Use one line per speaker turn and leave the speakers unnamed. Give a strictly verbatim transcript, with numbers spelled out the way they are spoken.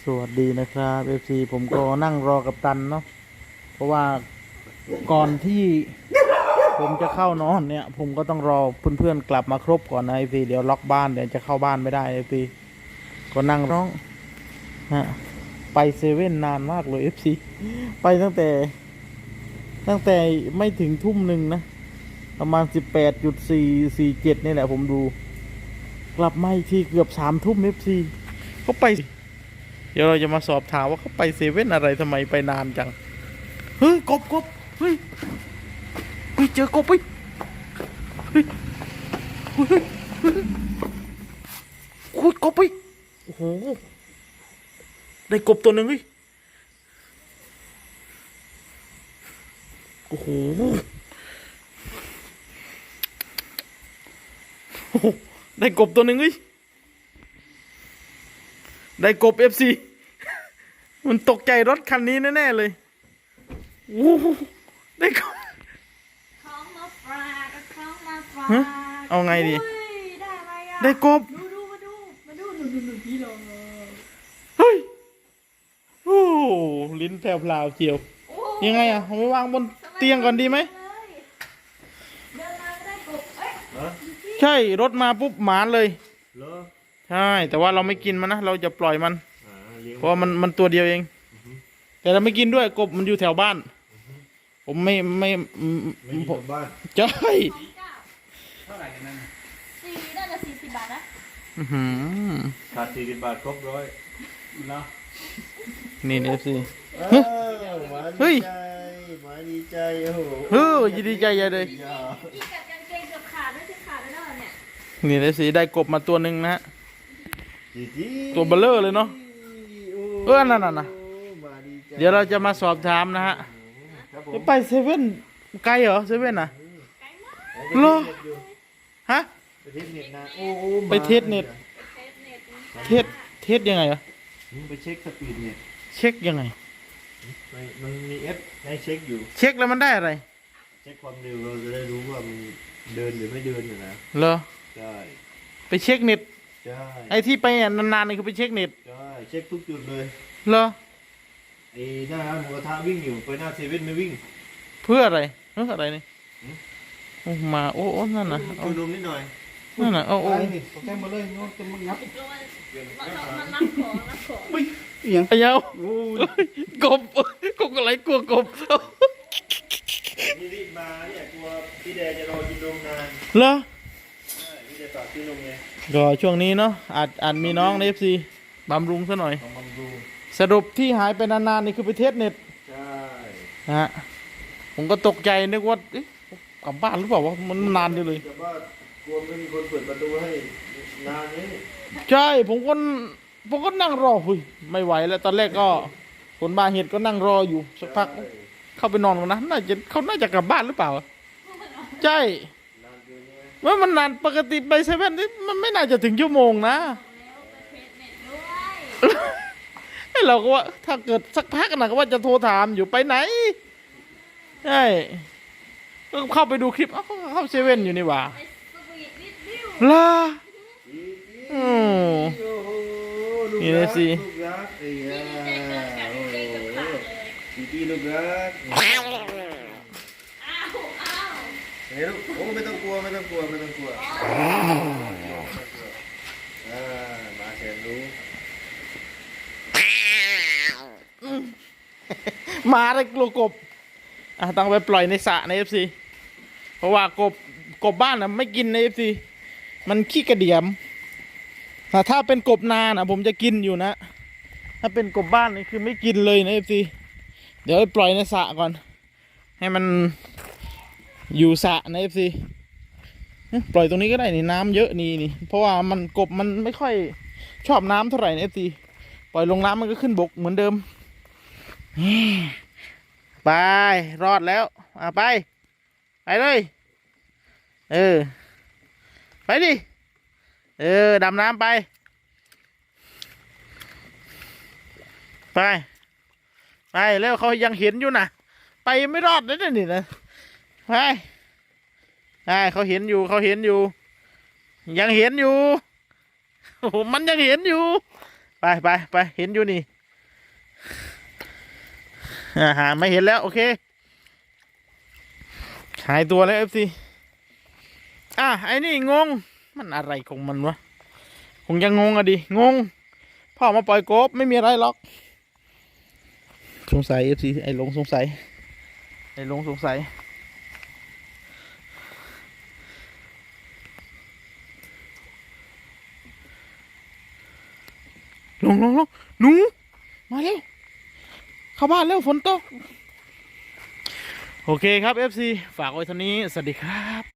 สวัสดีนะครับเอฟซีผมก็นั่งรอกับตันเนาะเพราะว่าก่อนที่ผมจะเข้านอนเนี่ยผมก็ต้องรอเพื่อนๆกลับมาครบก่อนนะเอฟซีเดี๋ยวล็อกบ้านเดี๋ยวจะเข้าบ้านไม่ได้เอฟซีก็นั่งร้องฮะไปเซเว่นนานมากเลยเอฟซีไปตั้งแต่ ตั้งแต่ไม่ถึงทุ่มหนึ่งนะประมาณสิบแปดจุดสี่สี่เจ็ดนี่แหละผมดู กลับมาอีกทีเกือบสามทุ่มเอฟซีเขาไป เดี๋ยวเราจะมาสอบถามว่าเขาไปเซเว่นอะไรทำไมไปนานจัง เฮ้ยกบกบเฮ้ยเฮ้ยเจอกบเฮ้ยเฮ้ยเฮ้ยเฮ้ยโอ้ยกบเฮ้ยโอ้โหได้กบตัวหนึ่งเฮ้ยโอ้โหโอ้โหได้กบตัวหนึ่งเฮ้ยได้กบเอฟซีมันตกใจรถคันนี้แน่ๆเลยโอ้โหได้กบ
ของมาฝากของมาฝาก
ฮะเอาไงดี
อุ้ยได้อะไรอ่ะ
ได้กบ
ดูดูมาดูมาดูดูดูดูพี่ลง
เฮ้ยโอ้ลิ้นแผ่วๆเจียว
โอ้
ยังไงอ่ะเอาไปวางบนเตียงก่อนดีไหม
เลยเดินมาก็ได้กบเอ้ย
ใช่รถมาปุ๊บหมานเลย
เหรอ
ใช่แต่ว่าเราไม่กินมันนะเราจะปล่อยมัน
อ่าเลี้ยง
เพราะว่ามันมันตัวเดียวเอง แต่เราไม่กินด้วยกบมันอยู่แถวบ้าน ผมไม่ไม่อืม
ไม่มี
ผ
ชา
ม
วบ้าน
ใช่
ของเก้า
เท่าไหร่กันนั่นน่ะ
สี่น่าจะสี่สิบบาทนะ
อื้อหือ
ขาดสี่สิบบาทครบร้อย
เนาะ
นี่เอฟซี
อ้าวหมา
เฮ้
ดี
ย
ใจหมาดีใจโอ้โห
เฮ้ยยินดีใจใหญ่เลย
อย่า
พี่กัดกางเกงเกือบขาดไม่ใช่ขาดแล้วนะเนี่ย
นี่เอฟซีได้กบมาตัวหนึ่งนะฮะ
จีจี
ตัวเบลเลอร์เลยเนาะ
โ
เออนั่นน่ะนะ
หมาดีใจ
เดี๋ยวเราจะมาสอบถามนะฮะ
ครับผม
จะไปเซเว่นไกลเหรอเซเว่นอ่ะ
ไกลมาก
โอ้
เหรอ
ไปเทสเน็ตอยู่
ฮะ
ไปเทสเน็ตนะโอ้โห
ไปเทสเน็ต
เทสเน็ต
เทสเทสยังไงเหรอ
มึงไปเช็คสปีดเน็ต
เช็คยังไง
มันมันมีแอปให้เช็คอยู่
เช็คแล้วมันได้อะไร
เช็คความเร็วเราจะได้รู้ว่ามันเดินหรือไม่เดินอยู่นะ
เหรอ
ใช่
ไปเช็คเน็ต
ใช่
ไอ้ที่ไปนานๆนี่คือไปเช็คเน็ต
ใช่เช็คทุกจุดเลย
เหรอ
ไอ้หน้าร้านหมูกระทะวิ่งอยู่ไปหน้าเซเว่นไม่วิ่ง
เพื่ออะไรเพื่ออะไรนี่
หืม
โอ้มาโอ้โอ้นั่นน่ะเอา
ชูนมนิดหน่อย
นั่นน่ะเอาโอ้
แค่มาเลยโน้ตจะมางับ
มันมันรับของรับของ
ยังไอ้เยา
โอ้ย
กบกบอะไรกลัวกบ
นี่รีบมาเนี่ยกลัวพี่แดงจะรอกินนมนาน
เหรอ
ใช่พี่แดงฝากซื้อนมไง
ก็ช่วงนี้เนาะอาจอาจมีน้องในเอฟซีบำรุงซะหน่อย
ลองมาดู
สรุปที่หายไปนานๆนี่คือไปเทสเน็ต
ใช่
นะฮะผมก็ตกใจนึกว่าเอ๊ะกลับบ้านหรือเปล่าวะมันนานจังเลย
แต่ว่ากลัวไม่มีคนเปิดประตูให้นานนี้
ใช่ผมก็ผมก็นั่งรอหุยไม่ไหวแล้วตอนแรกก็คนบาเหตุก็นั่งรออยู่สักพักเข้าไปนอนกันนะน่าจะเขาน่าจะกลับบ้านหรือเปล่าใช่
นานเกินใช่ไหม
ว่ามันนานปกติไปเซเว่นนี่มันไม่น่าจะถึงชั่วโมงนะ
แล้วไปเทสเน็ตด้วย
ไอ้เราก็ว่าถ้าเกิดสักพักนะก็ว่าจะโทรถามอยู่ไปไหนใช่ก็เข้าไปดูคลิปเอ้าเขาเข้าเซเว่นอยู่นี่หว่า
ไปสวีทวิดวิว
ล่ะ
จีจี
อืม
โอ้โหลูก
นี่นะ
รัก
สิ
ลูกรักไอ้ยา
ดีใจเกินกัดกางเกงเกือบขาดเลย
จีจีลูกรัก
อ้าวอ้าว
เฮ้ยลูกโอ้ไม่ต้องกลัวไม่ต้องกลัวไม่ต้องกลัวอ่ามาแสนรู้
มาเลยกลัวกบอ่ะต้องไปปล่อยในสระในเอฟซีเพราะว่ากบกบบ้านนะไม่กินในเอฟซีมันขี้กระเดียมแต่ถ้าเป็นกบนานะผมจะกินอยู่นะ ถ้าเป็นกบบ้านนี่คือไม่กินเลยนะเอฟซีเดี๋ยวไปปล่อยในสระก่อน ให้มันอยู่สระในเอฟซีปล่อยตรงนี้ก็ได้นี่น้ำเยอะนี่นี่เพราะว่ามันกบมันไม่ค่อยชอบน้ำเท่าไหร่ในเอฟซีปล่อยลงน้ำมันก็ขึ้นบกเหมือนเดิม ไปรอดแล้วอ่ะไปไปเลยเออไปดิเออดำน้ำไปไปไปแล้วเขายังเห็นอยู่นะไปไม่รอดเลยนะนี่นะไปไปเขาเห็นอยู่เขาเห็นอยู่ยังเห็นอยู่โอ้โหมันยังเห็นอยู่ไปไปไปเห็นอยู่นี่อาหาไม่เห็นแล้วโอเคหายตัวแล้วเอฟซีอ่ะไอ้นี่งงมันอะไรของมันวะคงยังงงอะดิงงพ่อมาปล่อยกบไม่มีอะไรหรอกสงสัยเอฟซีไอ้หลงสงสัยไอ้หลงสงสัยลงลงลงหนูมาเร็วเข้าบ้านเร็วฝนตกโอเคครับ เอฟ ซี ฝากไว้เท่านี้สวัสดีครับ